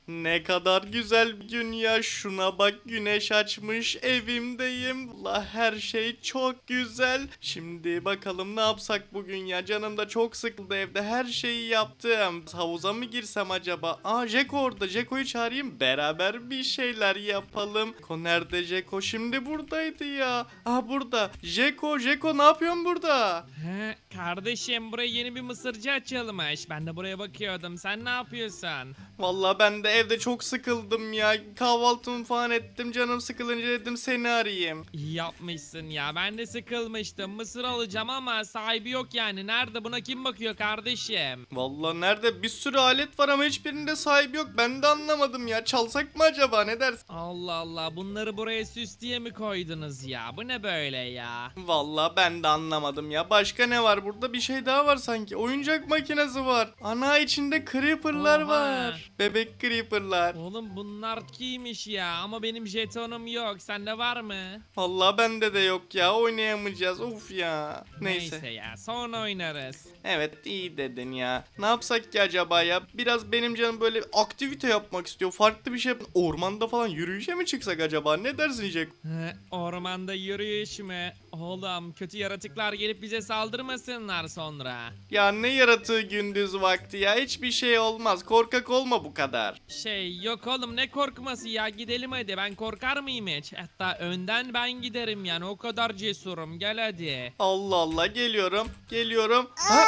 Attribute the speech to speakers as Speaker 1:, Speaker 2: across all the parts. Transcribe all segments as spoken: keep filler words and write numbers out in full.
Speaker 1: Ne kadar güzel bir gün ya. Şuna bak, güneş açmış, evimdeyim. Allah, her şey çok güzel. Şimdi bakalım ne yapsak bugün ya. Canım da çok sıkıldı evde. Her şeyi yaptım. Havuza mı girsem acaba? Aa, Jeko orada. Jeko'yu çağırayım. Beraber bir şeyler yapalım. Ko nerede Jeko? Şimdi buradaydı ya. Aa, burada. Jeko, Jeko ne yapıyorsun burada?
Speaker 2: He, kardeşim buraya yeni bir mısırcı açılmış. Ben de buraya bakıyordum. Sen ne yapıyorsun?
Speaker 1: Vallahi ben de evde çok sıkıldım ya. Kahvaltımı falan ettim. Canım sıkılınca dedim seni arayayım.
Speaker 2: İyi yapmışsın ya. Ben de sıkılmıştım. Mısır alacağım ama sahibi yok yani. Nerede? Buna kim bakıyor kardeşim?
Speaker 1: Vallahi nerede? Bir sürü alet var ama hiçbirinde sahibi yok. Ben de anlamadım ya. Çalsak mı acaba? Ne dersin?
Speaker 2: Allah Allah. Bunları buraya süs diye mi koydunuz ya? Bu ne böyle ya?
Speaker 1: Vallahi ben de anlamadım ya. Başka ne var burada? Bir şey daha var sanki. Oyuncak makinesi var. Ana, içinde creeper'lar
Speaker 2: Oha.
Speaker 1: var. Bebek creeper'lar.
Speaker 2: Oğlum bunlar kimmiş ya? Ama benim jetonum yok. Sende var mı?
Speaker 1: Vallahi bende de yok ya. Oynayamayacağız. Of ya. Neyse.
Speaker 2: Neyse ya. Sonra oynarız.
Speaker 1: Evet, iyi dedin ya. Ne yapsak ki acaba ya? Biraz benim canım böyle aktivite yapmak istiyor. Farklı bir şey. Ormanda falan yürüyüşe mi çıksak acaba? Ne dersin Jack?
Speaker 2: He, ormanda yürüyüş mü? Oğlum kötü yaratıklar gelip bize saldırmasınlar sonra.
Speaker 1: Ya ne yaratığı gündüz vakti ya? Hiçbir şey olmaz. Korkak olma bu kadar.
Speaker 2: Şey yok oğlum ne korkması ya gidelim hadi ben korkar mıyım hiç? Hatta önden ben giderim yani o kadar cesurum gel hadi.
Speaker 1: Allah Allah, geliyorum. Geliyorum. Ha?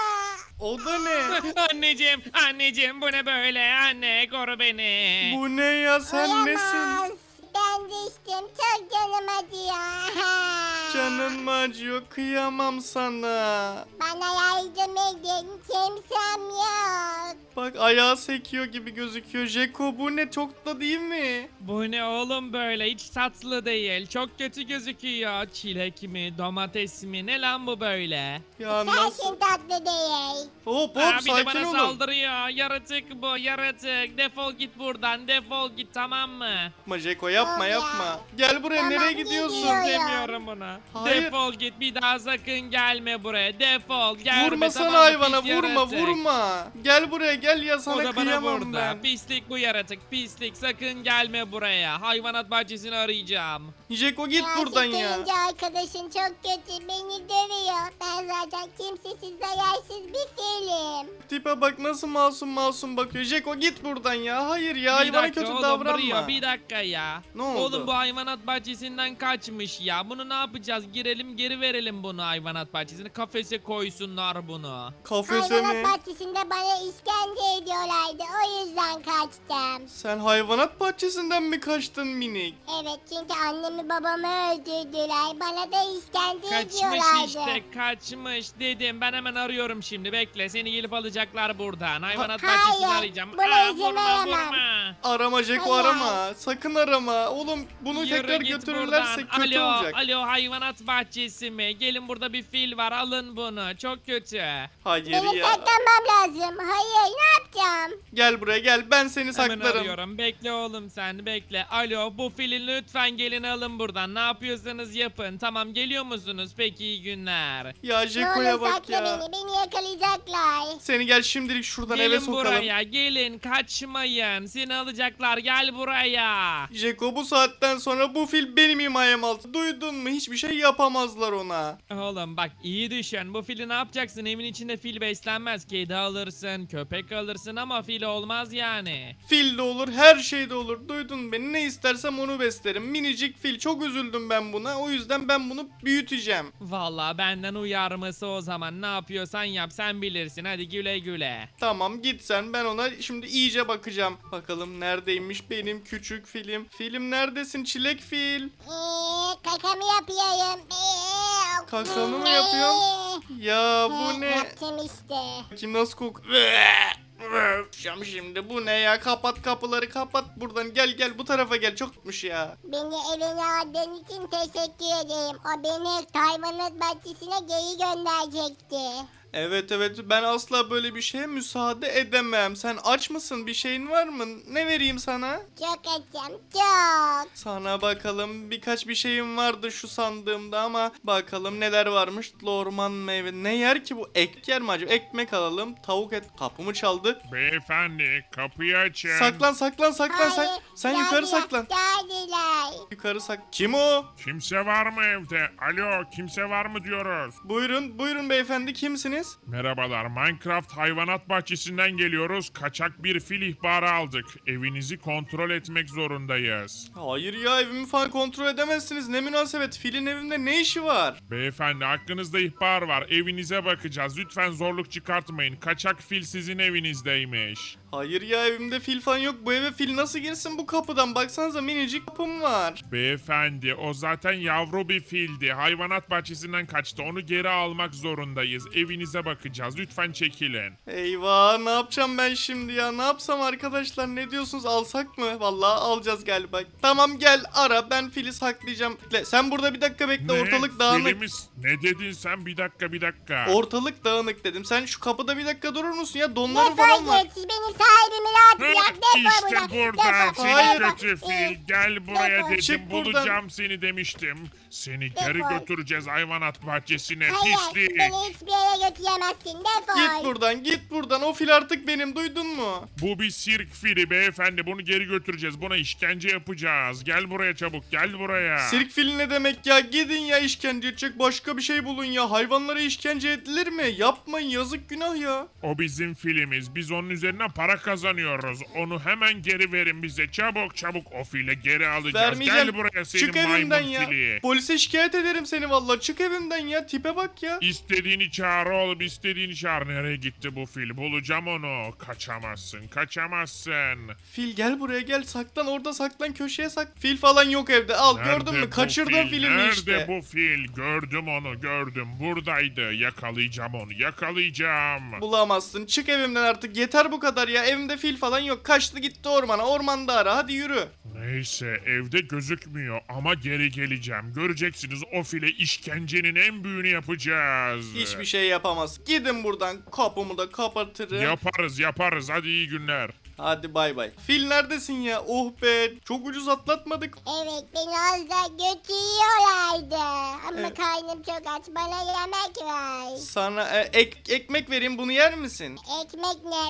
Speaker 1: O da ne?
Speaker 2: Anneciğim anneciğim bu ne böyle anne koru beni.
Speaker 1: Bu ne ya? Sen nesin?
Speaker 3: Olamaz. Ben düştüm. Çok canım acıyor.
Speaker 1: Canın mı acıyor? Kıyamam sana.
Speaker 3: Bana yardım edin. Kimsem yok.
Speaker 1: Bak, ayağı sekiyor gibi gözüküyor. Jeko, bu ne? Çok da değil mi?
Speaker 2: Bu ne oğlum böyle hiç tatlı değil çok kötü gözüküyor. Çilek mi domates mi ne lan bu böyle?
Speaker 1: Ya nasıl?
Speaker 3: Sensin tatlı değil.
Speaker 1: Hop hop,
Speaker 2: Aa, bir de
Speaker 1: sakin
Speaker 2: bana
Speaker 1: olun.
Speaker 2: saldırıyor yaratık bu yaratık defol git buradan defol git tamam mı?
Speaker 1: Yapma Jeko, yapma
Speaker 3: Tamam ya.
Speaker 1: yapma. Gel buraya,
Speaker 3: Tamam,
Speaker 1: nereye gidiyorsun?
Speaker 3: gidiyorum.
Speaker 2: İstemiyorum bunu.
Speaker 1: Hayır.
Speaker 2: Defol git bir daha sakın gelme buraya. Defol gelme
Speaker 1: Vurma
Speaker 2: tamam
Speaker 1: sana
Speaker 2: mı,
Speaker 1: hayvana,
Speaker 2: pis
Speaker 1: vurma
Speaker 2: yaratık.
Speaker 1: vurma. Gel buraya, gel ya,
Speaker 2: O
Speaker 1: sana
Speaker 2: da bana
Speaker 1: kıyamam
Speaker 2: vurdu.
Speaker 1: ben.
Speaker 2: Pislik bu yaratık pislik sakın gelme buraya. Hayvanat bahçesini arayacağım.
Speaker 1: Jeko, git
Speaker 3: Ya,
Speaker 1: buradan ya.
Speaker 3: sıkılınca arkadaşın çok kötü. Beni dövüyor. Ben zaten kimsesiz zayarsız bir film.
Speaker 1: Tipe bak, nasıl masum masum bakıyor. Jeko, git buradan ya. Hayır ya,
Speaker 2: Bir
Speaker 1: hayvana
Speaker 2: dakika
Speaker 1: kötü
Speaker 2: oğlum,
Speaker 1: davranma.
Speaker 2: Brio, bir dakika ya.
Speaker 1: Ne oldu?
Speaker 2: Oğlum bu hayvanat bahçesinden kaçmış ya. Bunu ne yapacağız? Girelim geri verelim bunu hayvanat bahçesine. Kafese koysunlar bunu.
Speaker 1: Kafese mi?
Speaker 3: Hayvanat bahçesinde bana işkence ediyorlardı. O yüzden kaçtım.
Speaker 1: Sen hayvanat bahçesinden mi kaçtın minik?
Speaker 3: Evet, çünkü annemi babamı öldürdüler. Bana da işkence
Speaker 2: Kaçmış
Speaker 3: ediyorlardı.
Speaker 2: işte kaçmış dedim. Ben hemen arıyorum şimdi bekle. Seni gelip alacaklar buradan. Hayvanat
Speaker 3: hayır,
Speaker 2: bahçesini arayacağım.
Speaker 3: buna
Speaker 2: Aa,
Speaker 3: izin
Speaker 2: vurma
Speaker 3: veremem.
Speaker 2: vurma.
Speaker 1: Arama Jeko,
Speaker 3: Hayır.
Speaker 1: arama. Sakın arama. Oğlum, bunu
Speaker 2: Yürü
Speaker 1: tekrar
Speaker 2: git
Speaker 1: götürürlerse
Speaker 2: buradan.
Speaker 1: kötü
Speaker 2: alo,
Speaker 1: olacak.
Speaker 2: Alo hayvanat bahçesi mi? Gelin burada bir fil var alın bunu. Çok kötü.
Speaker 1: Hayır
Speaker 3: Benim
Speaker 1: ya.
Speaker 3: saklanmam lazım. Hayır, ne yapacağım?
Speaker 1: Gel buraya, gel. Ben seni
Speaker 2: Hemen
Speaker 1: saklarım.
Speaker 2: arıyorum. Bekle oğlum sen bekle. Alo bu fili lütfen gelin alın buradan. Ne yapıyorsanız yapın. Tamam geliyor musunuz? Peki iyi günler.
Speaker 1: Ya
Speaker 3: Ne
Speaker 1: Jeko'ya
Speaker 3: olur
Speaker 1: bak
Speaker 3: sakla
Speaker 1: ya.
Speaker 3: beni. Beni yakalayacaklar.
Speaker 1: Seni gel şimdilik şuradan eve
Speaker 2: Gelin
Speaker 1: sokalım.
Speaker 2: buraya gelin kaçmayın. Seni alacaklar gel buraya.
Speaker 1: Jeko, bu saatten sonra bu fil benim himayem altı. Duydun mu? Hiçbir şey yapamazlar ona.
Speaker 2: Oğlum bak iyi düşün. Bu fili ne yapacaksın? Evin içinde fil beslenmez. Kedi alırsın, köpek alırsın ama fil olmaz yani.
Speaker 1: Fil de olur, her şey de olur. Duydun beni, ne istersem onu beslerim. Minicik fil, çok üzüldüm ben buna. O yüzden ben bunu büyüteceğim.
Speaker 2: Vallahi benden uyarması o zaman. Ne yapıyorsan yap sen bilirsin. Hadi güle güle.
Speaker 1: Tamam, git sen, ben ona şimdi iyice bakacağım. Bakalım neredeymiş benim küçük filim. Filim neredesin, çilek fil?
Speaker 3: Eee, kakamı yapıyorum. Eee,
Speaker 1: Kakanı mı
Speaker 3: eee.
Speaker 1: yapıyorsun? Ya bu
Speaker 3: He,
Speaker 1: ne?
Speaker 3: Yaptım işte.
Speaker 1: Kim nasıl kok? Şam şimdi, bu ne ya? Kapat kapıları, kapat buradan. Gel gel, bu tarafa gel, çok tutmuş ya.
Speaker 3: Beni evine aldığın için teşekkür ederim. O beni hayvanat bahçesine geri gönderecekti.
Speaker 1: Evet evet, ben asla böyle bir şeye müsaade edemem. Sen aç mısın? Bir şeyin var mı? Ne vereyim sana?
Speaker 3: Çok açım çok.
Speaker 1: Sana bakalım, birkaç bir şeyim vardı şu sandığımda ama bakalım neler varmış. Orman meyve. Ne yer ki bu? Ek yer mi acaba? Ekmek alalım. Tavuk et. Kapımı çaldı.
Speaker 4: Beyefendi kapıyı açın.
Speaker 1: Saklan saklan saklan. Sen,
Speaker 3: Hayır,
Speaker 1: sen yukarı
Speaker 3: geldiler,
Speaker 1: saklan.
Speaker 3: Geldiler.
Speaker 1: Yukarı sak. Kim o?
Speaker 4: Kimse var mı evde? Alo kimse var mı diyoruz.
Speaker 1: Buyurun buyurun beyefendi, kimsiniz?
Speaker 4: Merhabalar, Minecraft hayvanat bahçesinden geliyoruz. Kaçak bir fil ihbarı aldık. Evinizi kontrol etmek zorundayız.
Speaker 1: Hayır ya, evimi falan kontrol edemezsiniz. Ne münasebet, filin evimde ne işi var?
Speaker 4: Beyefendi hakkınızda ihbar var. Evinize bakacağız. Lütfen zorluk çıkartmayın. Kaçak fil sizin evinizdeymiş.
Speaker 1: Hayır ya, evimde fil falan yok. Bu eve fil nasıl girsin bu kapıdan? Baksanıza, minicik kapım var.
Speaker 4: Beyefendi o zaten yavru bir fildi. Hayvanat bahçesinden kaçtı. Onu geri almak zorundayız. Evinize bakacağız. Lütfen çekilin.
Speaker 1: Eyvah, ne yapacağım ben şimdi ya? Ne yapsam arkadaşlar, ne diyorsunuz, alsak mı? Vallahi alacağız galiba. Tamam gel ara, ben fili saklayacağım. Le, sen burada bir dakika bekle, ortalık dağınık.
Speaker 4: Filimiz... Ne dedin sen? Bir dakika bir dakika.
Speaker 1: Ortalık dağınık dedim. Sen şu kapıda bir dakika durur musun ya? Donları falan
Speaker 3: Defol
Speaker 1: var.
Speaker 3: git. Benim sahibimi rahat
Speaker 4: Hı,
Speaker 3: bırak. Defol
Speaker 4: İşte
Speaker 3: buradan.
Speaker 4: burada
Speaker 3: Defol.
Speaker 4: seni
Speaker 1: Hayır.
Speaker 4: kötü fil. Gel buraya
Speaker 3: Defol.
Speaker 4: dedim.
Speaker 1: Çık buradan.
Speaker 4: Bulacağım seni demiştim. Seni geri
Speaker 3: Defol.
Speaker 4: götüreceğiz hayvanat bahçesine.
Speaker 3: Hayır,
Speaker 4: Pislik.
Speaker 3: beni hiçbir yere götüremezsin. Defol.
Speaker 1: Git buradan, git buradan. O fil artık benim, duydun mu?
Speaker 4: Bu bir sirk fili beyefendi. Bunu geri götüreceğiz. Buna işkence yapacağız. Gel buraya çabuk. Gel buraya.
Speaker 1: Sirk fili ne demek ya? Gidin ya, işkence edecek başka bir şey bulun ya. Hayvanlara işkence edilir mi? Yapmayın, yazık, günah ya.
Speaker 4: O bizim filimiz. Biz onun üzerine para kazanıyoruz. Onu hemen geri verin bize. Çabuk çabuk o fili geri alacağız.
Speaker 1: Vermeyeceğim.
Speaker 4: Gel buraya senin
Speaker 1: Çık evimden
Speaker 4: maymun
Speaker 1: ya.
Speaker 4: fili.
Speaker 1: Polise şikayet ederim seni vallahi. Çık evimden ya. Tipe bak ya.
Speaker 4: İstediğini çağır oğlum, istediğini çağır. Nereye gitti bu fil? Bulacağım onu. Kaçamazsın, kaçamazsın.
Speaker 1: Fil gel buraya, gel, saklan orada, saklan köşeye sak. Fil falan yok evde. Al, gördün
Speaker 4: Nerede
Speaker 1: mü?
Speaker 4: bu
Speaker 1: Kaçırdın
Speaker 4: fil?
Speaker 1: filmi
Speaker 4: Nerede
Speaker 1: işte.
Speaker 4: bu fil? Gördüm onu, gördüm. Buradaydı. Yakalayacağım onu, yakalayacağım.
Speaker 1: Bulamazsın. Çık evimden artık. Yeter bu kadar ya. Evimde fil falan yok. Kaçtı gitti ormana. Ormanda ara. Hadi yürü.
Speaker 4: Neyse, evde gözükmüyor ama geri geleceğim. Göreceksiniz, o file işkencenin en büyüğünü yapacağız.
Speaker 1: Hiçbir şey yapamaz. Gidin buradan. Kapımı da kapatırım.
Speaker 4: Yaparız, yaparız. Hadi iyi günler.
Speaker 1: Hadi bay bay. Fil neredesin ya? Oh be. Çok ucuz atlatmadık.
Speaker 3: Evet, beni az da götürüyorlardı. Ama
Speaker 1: Evet.
Speaker 3: karnım çok aç. Bana yemek ver.
Speaker 1: Sana e, ek, ekmek vereyim, bunu yer misin?
Speaker 3: Ekmek ne?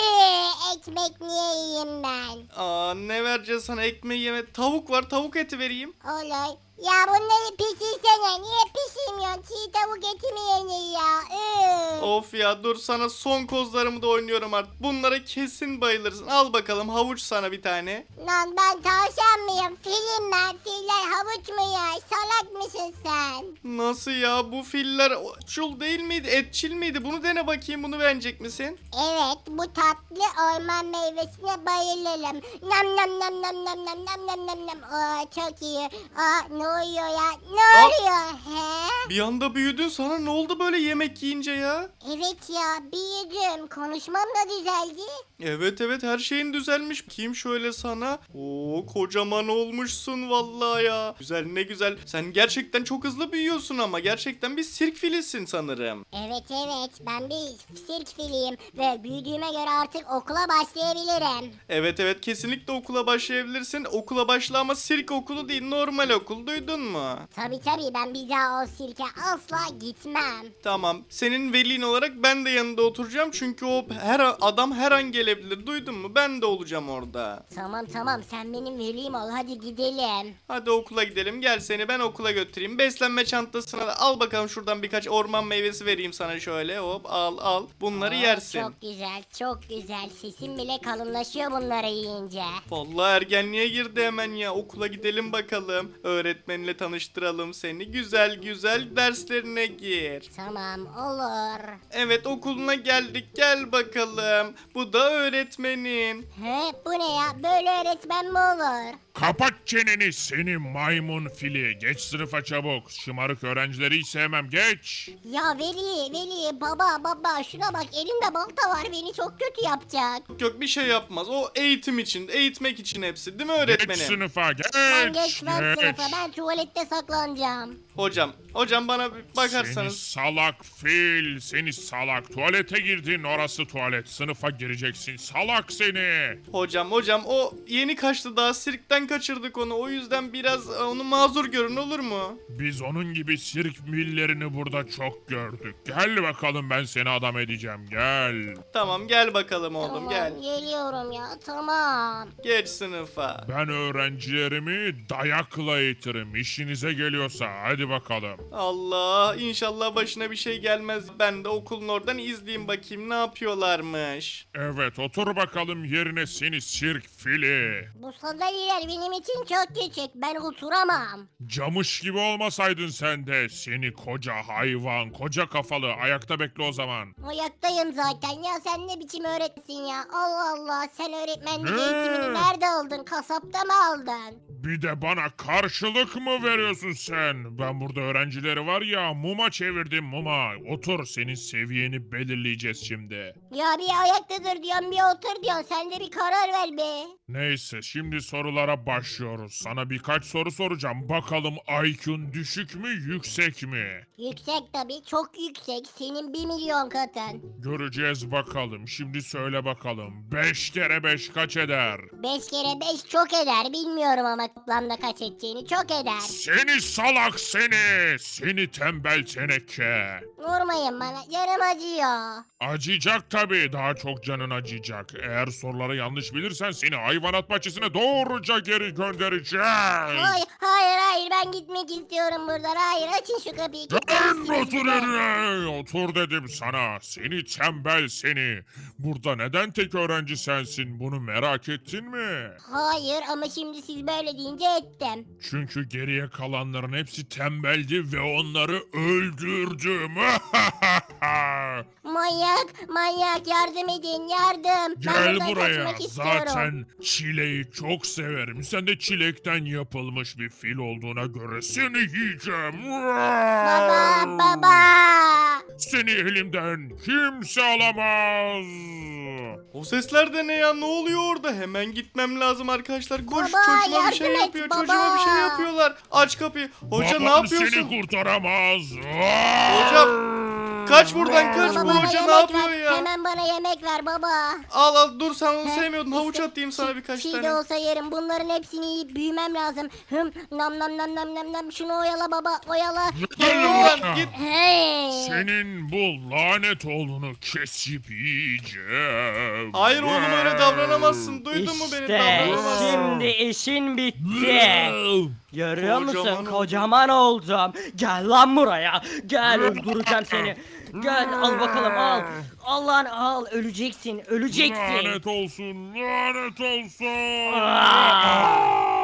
Speaker 3: Püh, ekmek niye yiyeyim ben?
Speaker 1: Aa, ne vereceğiz sana, ekmeği yeme. Tavuk var, tavuk eti vereyim.
Speaker 3: Olur. Ya bunları pişirsene. Niye pişirmiyorsun? Çiğ tavuk eti mi yenir ya? Üf.
Speaker 1: Of ya, dur sana son kozlarımı da oynuyorum artık. Bunlara kesin bayılırsın. Al bakalım, havuç sana bir tane.
Speaker 3: Lan ben tavşan mıyım? Filim ben. Filler havuç mu yer? Salak mısın sen?
Speaker 1: Nasıl ya, bu filler otçul değil miydi, etçil miydi? Bunu dene bakayım, bunu beğenecek misin?
Speaker 3: Evet, bu tatlı orman meyvesine bayılırım. Nam nam nam nam nam nam nam nam nam nam. Aa, çok iyi. Aa, ne oluyor ya? Ne
Speaker 1: Aa.
Speaker 3: oluyor? He?
Speaker 1: Bir anda büyüdün, sana ne oldu böyle yemek yiyince ya?
Speaker 3: Evet ya, büyüdüm. Konuşmam da düzeldi.
Speaker 1: Evet evet, her şeyin düzelmiş. Kim şöyle sana? Oo, kocaman olmuşsun vallahi ya. Güzel, ne güzel. Sen gerçekten çok hızlı büyüyorsun ama gerçekten bir sirk filisin sanırım.
Speaker 3: Evet evet, ben bir sirk filiyim ve büyüdüğüme göre artık okula başlayabilirim.
Speaker 1: Evet evet, kesinlikle okula başlayabilirsin. Okula başla ama sirk okulu değil, normal okul, duydun mu?
Speaker 3: Tabi tabi, ben bir daha o sirke asla gitmem.
Speaker 1: Tamam, senin velin olarak ben de yanında oturacağım çünkü o her adam her an gelebilir, duydun mu? Ben de olacağım orada.
Speaker 3: Tamam tamam, sen benim velim ol, hadi gidelim.
Speaker 1: Hadi okula gidelim, gel seni ben okula götüreyim. Beslenme çantasına da al bakalım, şuradan birkaç orman meyvesi vereyim sana, şöyle hop al al, bunları
Speaker 3: Oo,
Speaker 1: yersin.
Speaker 3: Çok güzel çok güzel, sesim bile kalınlaşıyor bunları yiyince.
Speaker 1: Vallahi ergenliğe girdi hemen ya. Okula gidelim bakalım. Öğretmenle tanıştıralım seni. Güzel güzel derslerine gir.
Speaker 3: Tamam, olur.
Speaker 1: Evet, okuluna geldik. Gel bakalım. Bu da öğretmenin.
Speaker 3: He, bu ne ya, böyle öğretmen mi olur?
Speaker 4: Kapat çeneni seni maymun fili. Geç sınıfa çabuk. Şımarık öğrencileri hiç sevmem. Geç.
Speaker 3: Ya Veli, Veli, baba, baba şuna bak elimde balta var beni çok kötü yapacak.
Speaker 1: Yok bir şey yapmaz. O eğitim için, eğitmek için hepsi değil mi
Speaker 4: Geç
Speaker 1: öğretmenim?
Speaker 4: sınıfa geç.
Speaker 3: Ben geçmem
Speaker 4: geç.
Speaker 3: sınıfa ben tuvalette saklanacağım.
Speaker 1: Hocam, hocam bana bir
Speaker 4: Seni
Speaker 1: bakarsanız.
Speaker 4: salak fil, seni salak. Tuvalete girdin, orası tuvalet. Sınıfa gireceksin, salak seni.
Speaker 1: Hocam, hocam o yeni kaçtı daha sirkten kaçırdık onu. O yüzden biraz e, onu mazur görün olur mu?
Speaker 4: Biz onun gibi sirk millerini burada çok gördük. Gel bakalım ben seni adam edeceğim, gel.
Speaker 1: Tamam gel bakalım oğlum
Speaker 3: Tamam,
Speaker 1: gel.
Speaker 3: geliyorum ya tamam.
Speaker 1: Geç sınıfa.
Speaker 4: Ben öğrencilerimi dayakla eğitirim. İşinize geliyorsa hadi bakalım.
Speaker 1: Allah inşallah başına bir şey gelmez. Ben de okulun oradan izleyeyim bakayım ne yapıyorlarmış.
Speaker 4: Evet otur bakalım yerine seni sirk fili.
Speaker 3: Bu sandalyeler benim için çok küçük ben oturamam.
Speaker 4: Camış gibi olmasaydın sen de seni koca hayvan, koca kafalı. Ayakta bekle o zaman.
Speaker 3: Ayaktayım zaten ya sen ne biçim öğretsin ya. Allah Allah sen öğretmenlik
Speaker 4: Ne?
Speaker 3: eğitimini nerede aldın kasapta mı aldın?
Speaker 4: Bir de bana karşılık mı veriyorsun sen? Ben burada öğrencileri var ya muma çevirdim muma. Otur senin seviyeni belirleyeceğiz şimdi.
Speaker 3: Ya bir ayakta dur diyorsun bir otur diyorsun sen de bir karar ver be.
Speaker 4: Neyse şimdi sorulara başlıyoruz. Sana birkaç soru soracağım. Bakalım I Q'un düşük mü yüksek mi?
Speaker 3: Yüksek tabii çok yüksek senin bir milyon katın.
Speaker 4: Göreceğiz bakalım. Şimdi söyle bakalım. beş kere beş kaç eder?
Speaker 3: Beş kere beş çok eder bilmiyorum ama toplamda kaç edeceğini çok eder.
Speaker 4: Seni salak seni. Seni tembel teneke.
Speaker 3: Vurmayın bana canım acıyor.
Speaker 4: Acıyacak tabii. Daha çok canın acıyacak. Eğer soruları yanlış bilirsen seni hayvanat bahçesine doğruca geri göndereceğiz.
Speaker 3: Hayır hayır hayır ben gitmek istiyorum buradan hayır açın şu kapıyı.
Speaker 4: Dön
Speaker 3: kilitlemişsiniz
Speaker 4: otur
Speaker 3: bir de.
Speaker 4: yerine. Otur dedim sana. Seni tembel seni. Burada neden tek öğrenci sensin? Bunu merak ettin mi?
Speaker 3: Hayır ama şimdi siz böyle deyince ettim.
Speaker 4: Çünkü geriye kalanların hepsi tembeldi ve onları öldürdüm.
Speaker 3: Manyak manyak yardım edin yardım. Ben
Speaker 4: Gel
Speaker 3: buradan
Speaker 4: buraya.
Speaker 3: kaçmak istiyorum.
Speaker 4: Zaten çileği çok severim. Sen de çilekten yapılmış bir fil olduğuna göre seni yiyeceğim.
Speaker 3: Baba baba.
Speaker 4: Seni elimden kimse alamaz.
Speaker 1: O sesler de ne ya ne oluyor orada? Hemen gitmem lazım arkadaşlar. Koş
Speaker 3: Baba,
Speaker 1: çocuğuma bir şey
Speaker 3: yardım et,
Speaker 1: yapıyor.
Speaker 3: baba.
Speaker 1: Çocuğuma bir şey yapıyorlar. Aç kapıyı. Hoca ne
Speaker 4: Baban
Speaker 1: yapıyorsun?
Speaker 4: seni kurtaramaz.
Speaker 1: Hocam kaç buradan kaç
Speaker 3: Baba
Speaker 1: bu
Speaker 3: bana
Speaker 1: hoca ne
Speaker 3: yemek
Speaker 1: yapıyor
Speaker 3: ver.
Speaker 1: ya?
Speaker 3: Hemen bana yemek ver baba.
Speaker 1: Al al dur sen onu
Speaker 3: He,
Speaker 1: sevmiyordun. Havuç
Speaker 3: işte
Speaker 1: atayım sana
Speaker 3: çiğ-
Speaker 1: birkaç
Speaker 3: çiğ
Speaker 1: tane.
Speaker 3: de olsa yerim. Bunların hepsini yiyip büyümem lazım. Hım nam nam nam nam nam nam. Şunu oyala baba oyala.
Speaker 1: Git buradan git.
Speaker 3: Hey.
Speaker 4: Senin bu lanet oğlunu kesip yiyeceğim.
Speaker 1: Hayır oğlum öyle davranamazsın. Duydun mu beni?
Speaker 5: İşte
Speaker 1: Davranamazsın.
Speaker 5: şimdi işin bitti. Görüyor musun?
Speaker 1: Kocaman oldum.
Speaker 5: Kocaman oldum. Gel lan buraya. Gel öldüreceğim seni. Gel al bakalım al. Al lan al. Öleceksin. Öleceksin.
Speaker 4: Lanet olsun, lanet olsun.
Speaker 5: Aa!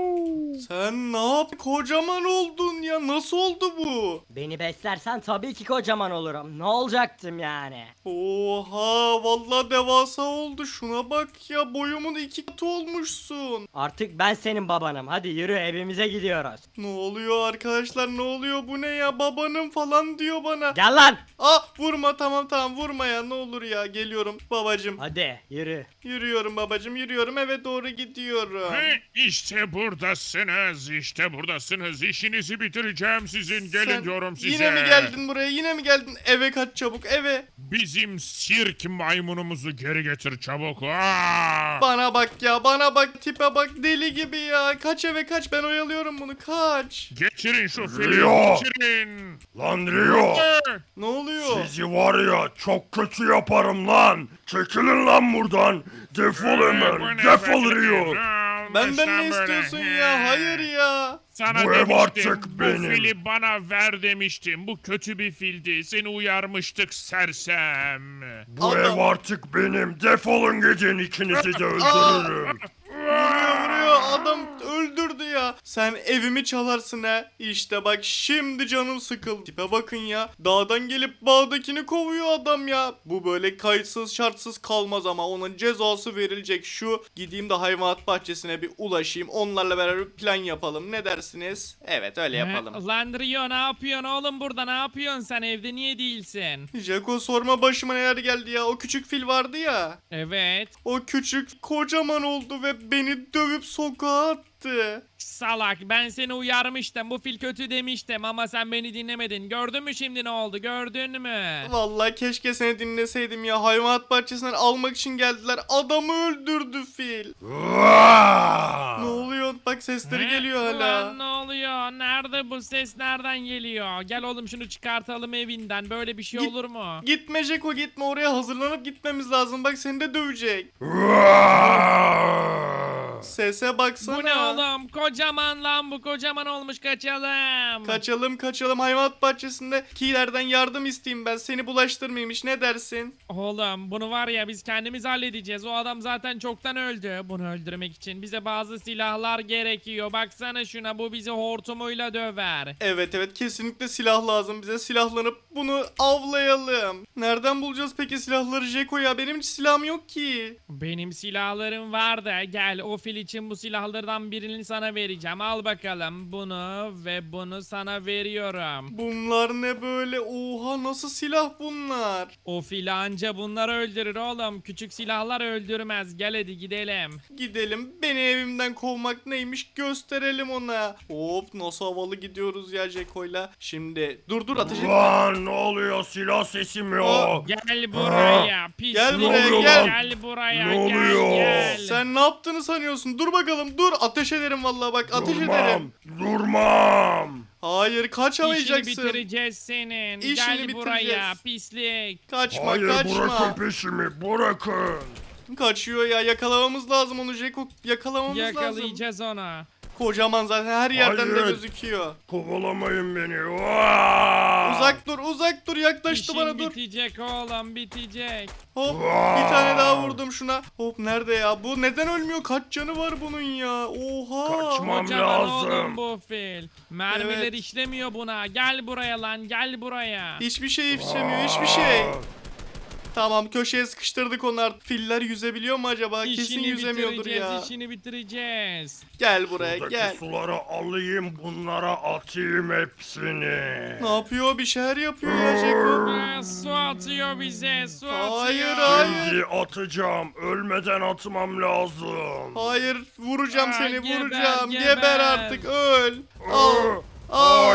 Speaker 1: Sen ne yap? Kocaman oldun ya. Nasıl oldu bu?
Speaker 5: Beni beslersen tabii ki kocaman olurum. Ne olacaktım yani?
Speaker 1: Oha vallahi devasa oldu. Şuna bak ya boyumun iki katı olmuşsun.
Speaker 5: Artık ben senin babanım. Hadi yürü evimize gidiyoruz.
Speaker 1: Ne oluyor arkadaşlar ne oluyor bu ne ya babanım falan diyor bana.
Speaker 5: Gel lan.
Speaker 1: Ah vurma tamam tamam vurma ya ne olur ya geliyorum babacım.
Speaker 5: Hadi yürü.
Speaker 1: Yürüyorum babacım yürüyorum eve doğru gidiyorum.
Speaker 4: Ve işte buradasınız, işte buradasınız. İşinizi bitireceğim sizin. Gelin
Speaker 1: Sen
Speaker 4: diyorum size.
Speaker 1: Yine mi geldin buraya yine mi geldin eve kaç çabuk eve.
Speaker 4: Bizim sirk maymunumuzu geri getir çabuk. Aa!
Speaker 1: Bana bak ya bana bak tipe bak deli gibi ya. Kaç eve kaç ben oyalıyorum bunu kaç.
Speaker 4: Getirin şu fili,
Speaker 6: Rio!
Speaker 4: getirin.
Speaker 6: Lan Rio!
Speaker 1: Ne oluyor?
Speaker 6: Sizi var ya çok kötü yaparım lan. Çekilin lan buradan. Defol
Speaker 4: Bu
Speaker 6: hemen.
Speaker 4: ne
Speaker 6: Defol
Speaker 4: be?
Speaker 6: Rio.
Speaker 1: Benden
Speaker 4: Sen
Speaker 1: ne
Speaker 4: böyle.
Speaker 1: istiyorsun ya hayır ya.
Speaker 4: Sana
Speaker 6: Bu ev
Speaker 4: demiştim,
Speaker 6: artık
Speaker 4: bu
Speaker 6: benim.
Speaker 4: fili bana ver demiştim. Bu kötü bir fildi. Seni uyarmıştık sersem.
Speaker 6: Bu
Speaker 1: Adam-
Speaker 6: ev artık benim. Defolun gidin ikinizi de öldürürüm.
Speaker 1: Vuruyor vuruyor adam öldürdü ya. Sen evimi çalarsın ha. İşte bak şimdi canım sıkıldı. Tipe bakın ya. Dağdan gelip bağdakini kovuyor adam ya. Bu böyle kayıtsız şartsız kalmaz ama onun cezası verilecek. Şu gideyim de hayvanat bahçesine bir ulaşayım. Onlarla beraber plan yapalım. Ne dersiniz? Evet öyle yapalım.
Speaker 2: He, Lan Rio ne yapıyorsun oğlum burada, ne yapıyorsun sen, evde niye değilsin?
Speaker 1: Jaco sorma başıma neler geldi ya. O küçük fil vardı ya.
Speaker 2: Evet.
Speaker 1: O küçük kocaman oldu ve beni dövüp sokağa attı.
Speaker 2: Salak, ben seni uyarmıştım, bu fil kötü demiştim ama sen beni dinlemedin. Gördün mü şimdi ne oldu, gördün mü?
Speaker 1: Vallahi keşke seni dinleseydim ya. Hayvanat bahçesinden almak için geldiler. Adamı öldürdü fil. Ne oluyor? Bak sesleri
Speaker 2: He?
Speaker 1: geliyor hala.
Speaker 2: Lan ne oluyor? Nerede bu ses, nereden geliyor? Gel oğlum şunu çıkartalım evinden, böyle bir şey
Speaker 1: Git-
Speaker 2: olur mu?
Speaker 1: Gitme Jeko gitme, oraya hazırlanıp gitmemiz lazım. Bak seni de dövecek. Sese baksana.
Speaker 2: Bu ne oğlum? Kocaman lan bu, kocaman olmuş, kaçalım.
Speaker 1: Kaçalım kaçalım, hayvanat bahçesinde kilerden yardım isteyeyim ben. Seni bulaştırmayayım, ne dersin?
Speaker 2: Oğlum bunu var ya biz kendimiz halledeceğiz. O adam zaten çoktan öldü. Bunu öldürmek için bize bazı silahlar gerekiyor. Baksana şuna, bu bizi hortumuyla döver.
Speaker 1: Evet evet, kesinlikle silah lazım bize. Silahlanıp bunu avlayalım. Nereden bulacağız peki silahları Jeko ya? Benim hiç silahım yok ki.
Speaker 2: Benim silahlarım var da gel, o fil için bu silahlardan birini sana vereceğim. Al bakalım bunu ve bunu sana veriyorum.
Speaker 1: Bunlar ne böyle? Oha, nasıl silah bunlar?
Speaker 2: O fil anca bunları öldürür oğlum. Küçük silahlar öldürmez. Gel hadi gidelim.
Speaker 1: Gidelim, beni evimden kovmak neymiş gösterelim ona. Hop, nasıl havalı gidiyoruz ya Jeko'yla. Şimdi dur dur, ateş etme.
Speaker 6: Lan ne oluyor, silah sesim yok.
Speaker 2: Gel buraya pislik.
Speaker 1: Gel buraya,
Speaker 6: Ne oluyor
Speaker 1: gel.
Speaker 6: lan?
Speaker 2: Gel buraya
Speaker 6: Ne
Speaker 2: gel
Speaker 6: oluyor?
Speaker 2: gel.
Speaker 1: Sen ne yaptığını sanıyorsun? Dur bakalım, dur. Ateş ederim vallahi, bak ateş ederim.
Speaker 6: Durmam.
Speaker 1: Hayır,
Speaker 2: İşini
Speaker 1: kaçamayacaksın.
Speaker 2: bitireceğiz senin.
Speaker 1: İşini
Speaker 2: Gel buraya
Speaker 1: bitireceğiz.
Speaker 2: pislik.
Speaker 1: Kaçma
Speaker 6: Hayır,
Speaker 1: kaçma.
Speaker 6: bırakın peşimi, bırakın.
Speaker 1: Kaçıyor ya, yakalamamız lazım onu Jeko. Yakalamamız lazım.
Speaker 2: Yakalayacağız onu.
Speaker 1: Kocaman zaten, her yerden de
Speaker 6: Hayır.
Speaker 1: gözüküyor.
Speaker 6: Kovalamayın beni. Vaa!
Speaker 1: Uzak dur, uzak dur, yaklaştı
Speaker 2: İşin
Speaker 1: bana, dur.
Speaker 2: bitecek oğlum, bitecek.
Speaker 1: Hop,
Speaker 6: Vaa!
Speaker 1: bir tane daha vurdum şuna. Hop, nerede ya? Bu neden ölmüyor? Kaç canı var bunun ya? Oha.
Speaker 6: Kaçma. Tamam,
Speaker 2: Kocaman
Speaker 6: lazım.
Speaker 2: oğlum bu fil. Mermiler
Speaker 1: Evet.
Speaker 2: işlemiyor buna. Gel buraya lan, gel buraya.
Speaker 1: Hiçbir şey ifşemiyor, hiçbir şey. Tamam, köşeye sıkıştırdık onlar. Filler yüzebiliyor mu acaba? Kesin
Speaker 2: İşini
Speaker 1: yüzemiyordur
Speaker 2: bitireceğiz,
Speaker 1: ya.
Speaker 2: işini bitireceğiz.
Speaker 1: Gel buraya,
Speaker 6: Buradaki
Speaker 1: gel.
Speaker 6: suları alayım, bunlara atayım hepsini.
Speaker 1: Ne yapıyor? Bir şeyler yapıyor ya Jeko.
Speaker 2: Aa, su atıyor bize, su atıyor.
Speaker 1: Hayır, hayır.
Speaker 6: Şimdi atacağım. Ölmeden atmam lazım.
Speaker 1: Hayır, vuracağım
Speaker 2: Aa,
Speaker 1: seni,
Speaker 2: geber,
Speaker 1: vuracağım. Geber,
Speaker 2: geber.
Speaker 1: artık, öl. Al. Al.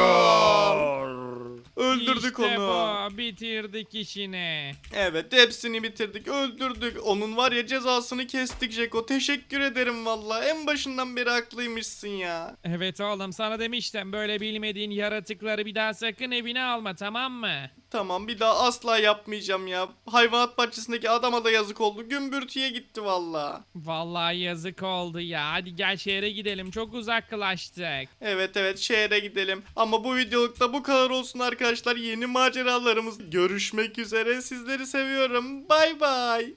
Speaker 6: Hayır.
Speaker 1: Öldürdük
Speaker 2: İşte
Speaker 1: onu.
Speaker 2: bu, bitirdik işini.
Speaker 1: Evet, hepsini bitirdik, öldürdük. Onun var ya cezasını kestik Jeko. Teşekkür ederim valla. En başından beri haklıymışsın ya.
Speaker 2: Evet oğlum, sana demiştim, böyle bilmediğin yaratıkları bir daha sakın evine alma, tamam mı?
Speaker 1: Tamam, bir daha asla yapmayacağım ya. Hayvanat bahçesindeki adama da yazık oldu. Gümbürtüye gitti valla.
Speaker 2: Vallahi yazık oldu ya. Hadi gel şehre gidelim, çok uzaklaştık.
Speaker 1: Evet evet, şehre gidelim. Ama bu videolukta bu kadar olsun arkadaşlar. Yeni maceralarımız görüşmek üzere. Sizleri seviyorum. Bay bay.